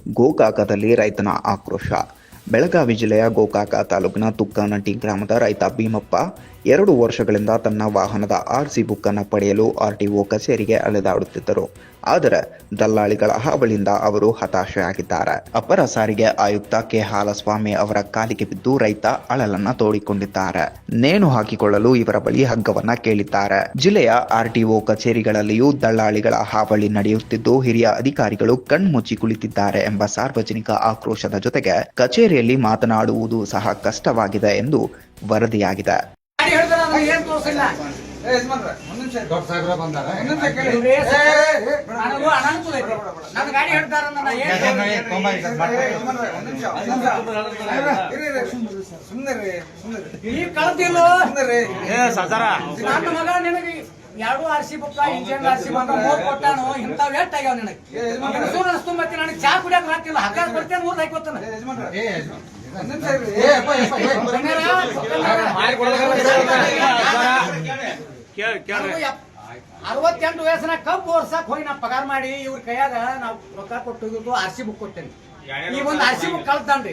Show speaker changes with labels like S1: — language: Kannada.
S1: ಗೋಕಾಕದಲ್ಲಿ ರೈತನ ಆಕ್ರೋಶ. ಬೆಳಗಾವಿ ಜಿಲ್ಲೆಯ ಗೋಕಾಕ ತಾಲೂಕಿನ ತುಕ್ಕನಟ್ಟಿ ಗ್ರಾಮದ ರೈತ ಭೀಮಪ್ಪ 2 ವರ್ಷಗಳಿಂದ ತನ್ನ ವಾಹನದ ಆರ್ಸಿ ಬುಕ್ ಅನ್ನು ಪಡೆಯಲು ಆರ್ಟಿಒ ಕಚೇರಿಗೆ ಅಲೆದಾಡುತ್ತಿದ್ದರು. ಆದರೆ ದಲ್ಲಾಳಿಗಳ ಹಾವಳಿಯಿಂದ ಅವರು ಹತಾಶೆಯಾಗಿದ್ದಾರೆ. ಅಪರ ಸಾರಿಗೆ ಆಯುಕ್ತ ಕೆ ಹಾಲಸ್ವಾಮಿ ಅವರ ಕಾಲಿಗೆ ಬಿದ್ದು ರೈತ ಅಳಲನ್ನ ತೋಡಿಕೊಂಡಿದ್ದಾರೆ. ನೇಣು ಹಾಕಿಕೊಳ್ಳಲು ಇವರ ಬಳಿ ಹಗ್ಗವನ್ನ ಕೇಳಿದ್ದಾರೆ. ಜಿಲ್ಲೆಯ ಆರ್ಟಿಒ ಕಚೇರಿಗಳಲ್ಲಿಯೂ ದಲ್ಲಾಳಿಗಳ ಹಾವಳಿ ನಡೆಯುತ್ತಿದ್ದು ಹಿರಿಯ ಅಧಿಕಾರಿಗಳು ಕಣ್ಮುಚ್ಚಿ ಕುಳಿತಿದ್ದಾರೆ ಎಂಬ ಸಾರ್ವಜನಿಕ ಆಕ್ರೋಶದ ಜೊತೆಗೆ ಕಚೇರಿಯಲ್ಲಿ ಮಾತನಾಡುವುದು ಸಹ ಕಷ್ಟವಾಗಿದೆ ಎಂದು ವರದಿಯಾಗಿದೆ.
S2: ಎರಡು ಆರ್ಸಿ ಬುಕ್ ಇಂಜಿನ್ ಆರ್ಸಿ ಬಂದ 3 ಕೊಟ್ಟಾನು ಇಂಥವ್ ಎಟ್ ಆಗ್ಯಾವ ನನಗೆ ಸೂರ್ ಅನಿಸ್ತು. ಮತ್ತೆ ನನಗೆ ಚಾ ಕುಡಿಯಕ್ ಹಾಕಿಲ್ಲ, ಹಾಕಾಕ್ ಬರ್ತೇನೆ 3 ಹಾಕೋತಾನೆ. 68 ವಯಸ್ಸಿನ ಕಬ್ಬು ವರ್ಷಕ್ ಹೋಗಿ ನಾ ಪಗಾರ ಮಾಡಿ ಇವ್ರ ಕೈಯಾಗ ನಾವು ರೊಕ್ಕ ಕೊಟ್ಟು ಆರ್ಸಿ ಬುಕ್ ಕೊಟ್ಟೇನೆ. ಈ ಒಂದು ಆರ್ಸಿ ಬುಕ್ ಕಳ್ತಾನ್ರಿ